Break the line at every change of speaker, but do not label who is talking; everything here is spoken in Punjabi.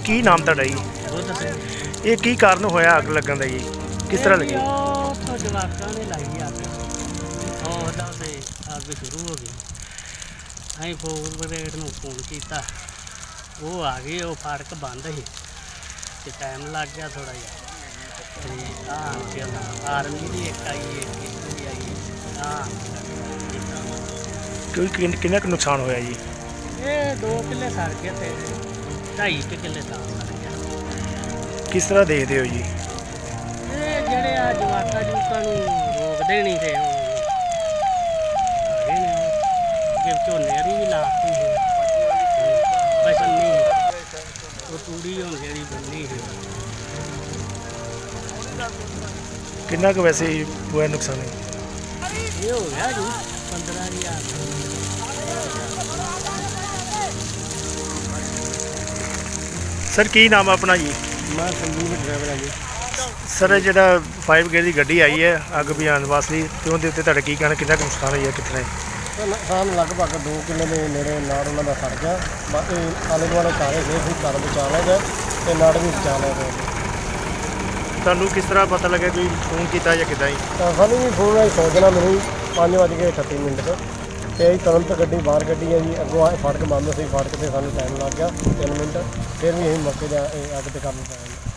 ਕੀ ਨਾਮ ਤੁਹਾਡਾ ਜੀ?
ਦੁੱਧ ਸਿੰਘ
ਇਹ ਕੀ ਕਾਰਨ ਹੋਇਆ ਅੱਗ ਲੱਗਣ ਦਾ ਜੀ? ਕਿਸ ਤਰ੍ਹਾਂ ਲੱਗੀ?
ਉਹ ਜਵਾਕਾਂ ਨੇ ਲਾਈ ਅੱਗ ਉਹਦਾ ਤੇ ਅੱਗ ਸ਼ੁਰੂ ਹੋ ਗਈ। ਅਸੀਂ ਫੋਰ ਬ੍ਰਿਗੇਡ ਨੂੰ ਫੋਨ ਕੀਤਾ, ਉਹ ਆ ਗਏ। ਉਹ ਫਾਟਕ ਬੰਦ ਸੀ ਤੇ ਟਾਈਮ ਲੱਗ ਗਿਆ ਥੋੜ੍ਹਾ ਜਿਹਾ। ਤੇ ਆਰਮੀ ਦੀ ਇੱਕ ਆਈ, ਇੱਕ ਇੱਥੋਂ ਦੀ ਆਈ।
ਕਿੰਨਾ ਕੁ ਨੁਕਸਾਨ ਹੋਇਆ ਜੀ?
ਇਹ 2 ਕਿੱਲੇ ਸੜ ਗਏ ਤੇ 2.5 ਕਿੱਲੇ ਤਾਂ ਸੜ ਗਿਆ।
ਕਿਸ ਤਰ੍ਹਾਂ ਦੇਖਦੇ ਹੋ ਜੀ?
ਇਹ ਜਿਹੜੇ ਆ ਜਵਾਕਾਂ ਜੂਕਾਂ ਨੂੰ ਰੋਕਦੇ ਨਹੀਂ ਤੇ ਜੇ ਝੋਨੇ ਦੀ ਵੀ ਲਾਤੀ ਸੀ ਬਚਨ ਨਹੀਂ, ਉਹ ਤੂੜੀ ਹੁਣ ਜਿਹੜੀ ਬੰਨੀ ਸੀ।
ਕਿੰਨਾ ਕੁ ਵੈਸੇ ਹੋਇਆ ਨੁਕਸਾਨ?
ਇਹ ਹੋ ਗਿਆ ਜੀ 15,000।
ਸਰ ਕੀ ਨਾਮ ਆ ਆਪਣਾ ਜੀ?
ਮੈਂ ਸੰਜੀਵ ਡਰਾਈਵਰ ਹਾਂ ਜੀ।
ਸਰ ਇਹ ਜਿਹੜਾ 5 ਬ੍ਰਿਗੇਡ ਦੀ ਗੱਡੀ ਆਈ ਹੈ ਅੱਗ ਬੁਝਾਉਣ ਵਾਸਤੇ, ਤੇ ਉਹਦੇ ਉੱਤੇ ਤੁਹਾਡਾ ਕੀ ਕਹਿਣਾ, ਕਿੰਨਾ ਕੁ ਨੁਕਸਾਨ ਹੋਇਆ ਕਿਤਨਾ?
ਨੁਕਸਾਨ ਲਗਭਗ 2 ਕਿੱਲੇ ਦੇ ਨੇੜੇ ਨਾੜ ਉਹਨਾਂ ਦਾ ਸੜ ਗਿਆ। ਬਾਕੀ ਆਲੇ ਦੁਆਲੇ ਸਾਰੇ ਗਏ ਸੀ, ਘਰ ਬਚਾ ਲਿਆ ਗਿਆ ਤੇ ਨਾੜ ਵੀ ਬਚਾ ਲਿਆ ਗਿਆ।
ਤੁਹਾਨੂੰ ਕਿਸ ਤਰ੍ਹਾਂ ਪਤਾ ਲੱਗਾ, ਕੋਈ ਫੋਨ ਕੀਤਾ ਜਾਂ ਕਿੱਦਾਂ ਜੀ?
ਸਾਨੂੰ ਵੀ ਫੋਨ ਆਈ ਸੋਚਣਾ ਮੈਨੂੰ 5:38 ਤੇ ਅਸੀਂ ਤੁਰੰਤ ਗੱਡੀ ਬਾਹਰ ਕੱਢੀ ਹੈ ਜੀ। ਅੱਗੋਂ ਫਾਟਕ ਬੰਦ ਸੀ, ਫਾਟਕ 'ਤੇ ਸਾਨੂੰ ਟਾਈਮ ਲੱਗ ਗਿਆ 3 ਮਿੰਟ। ਫਿਰ ਵੀ ਅਸੀਂ ਮੌਕੇ 'ਤੇ ਅੱਗ 'ਤੇ ਕਰਨ ਪਾਏ।